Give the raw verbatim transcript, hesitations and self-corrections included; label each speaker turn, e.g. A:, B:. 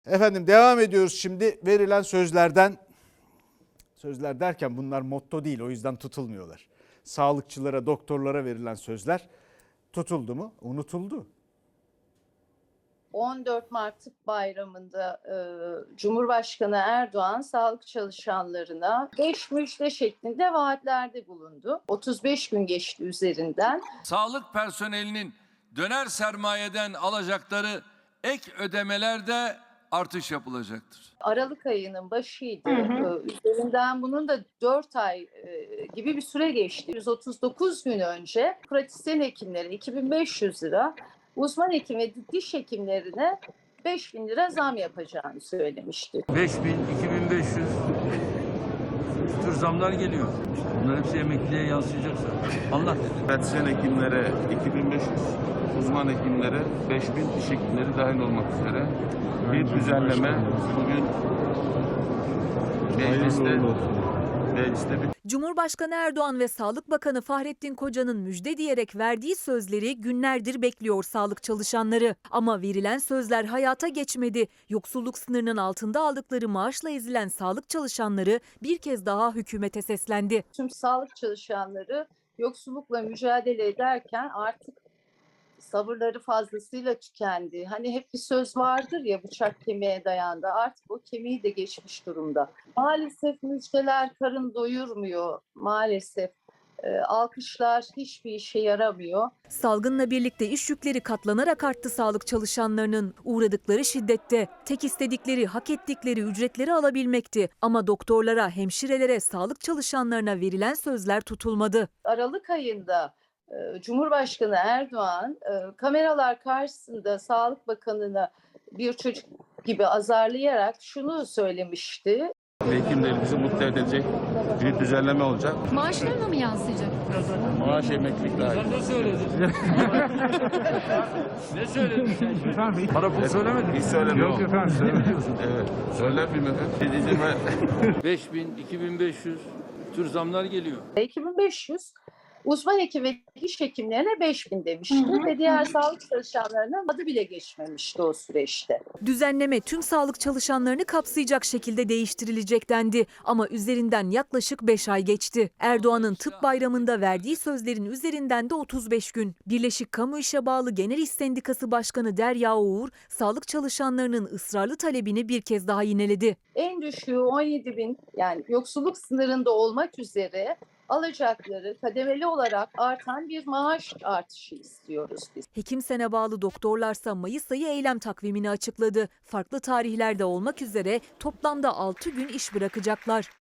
A: Efendim devam ediyoruz şimdi verilen sözlerden. Sözler derken bunlar motto değil, o yüzden tutulmuyorlar. Sağlıkçılara, doktorlara verilen sözler tutuldu mu? Unutuldu.
B: on dört Mart Tıp Bayramı'nda e, Cumhurbaşkanı Erdoğan sağlık çalışanlarına beş müjde şeklinde vaatlerde bulundu. otuz beş gün geçti üzerinden.
C: Sağlık personelinin döner sermayeden alacakları ek ödemelerde artış yapılacaktır.
B: Aralık ayının başıydı. Hı hı. Üzerinden bunun da dört ay e, gibi bir süre geçti. yüz otuz dokuz gün önce pratisyen hekimlerin iki bin beş yüz lira, uzman hekim ve diş hekimlerine beş bin lira zam yapacağını söylemişti.
D: beş bin, iki bin beş yüz tür zamlar geliyor. Bunlar hepsi emekliye yansıyacak zaten. Allah dedi.
E: Pratisyen hekimlere iki bin beş yüz, uzman hekimlere beş bin, diş hekimleri dahil olmak üzere bir düzenleme bugün mecliste, mecliste bir
F: Cumhurbaşkanı Erdoğan ve Sağlık Bakanı Fahrettin Koca'nın müjde diyerek verdiği sözleri günlerdir bekliyor sağlık çalışanları. Ama verilen sözler hayata geçmedi. Yoksulluk sınırının altında aldıkları maaşla ezilen sağlık çalışanları bir kez daha hükümete seslendi.
B: Tüm sağlık çalışanları yoksullukla mücadele ederken artık sabırları fazlasıyla tükendi. Hani hep bir söz vardır ya, bıçak kemiğe dayandı. Artık o kemiği de geçmiş durumda. Maalesef müjdeler karın doyurmuyor. Maalesef e, alkışlar hiçbir işe yaramıyor.
F: Salgınla birlikte iş yükleri katlanarak arttı sağlık çalışanlarının. Uğradıkları şiddette tek istedikleri, hak ettikleri ücretleri alabilmekti. Ama doktorlara, hemşirelere, sağlık çalışanlarına verilen sözler tutulmadı.
B: Aralık ayında Cumhurbaşkanı Erdoğan kameralar karşısında Sağlık Bakanı'na bir çocuk gibi azarlayarak şunu söylemişti.
E: hekimlerimizi mutlu edecek bir düzenleme olacak.
G: Maaşlarına mı yansıyacak?
E: Maaş emeklilik dahil.
D: Ne söyledin? ne söyledin sen?
H: Efendim, para pul söylemedin.
E: Hiç söylemedim.
H: Yok efendim, söylemediniz.
E: Evet. Söyler miyim efendim? Dediğime
D: beş bin, iki bin beş yüz tür zamlar geliyor.
B: iki bin beş yüz uzman hekim ve diş hekimlerine beş bin demişti hı hı. Ve diğer sağlık çalışanlarına adı bile geçmemişti o süreçte.
F: Düzenleme tüm sağlık çalışanlarını kapsayacak şekilde değiştirilecek dendi. Ama üzerinden yaklaşık beş ay geçti. Erdoğan'ın tıp bayramında verdiği sözlerin üzerinden de otuz beş gün. Birleşik Kamu İşe Bağlı Genel İş Sendikası Başkanı Derya Uğur, sağlık çalışanlarının ısrarlı talebini bir kez daha yineledi.
B: En düşüğü on yedi bin, yani yoksulluk sınırında olmak üzere alacakları kademeli olarak artan bir maaş artışı istiyoruz biz.
F: Hekimsen'e bağlı doktorlarsa Mayıs ayı eylem takvimini açıkladı. Farklı tarihlerde olmak üzere toplamda altı gün iş bırakacaklar.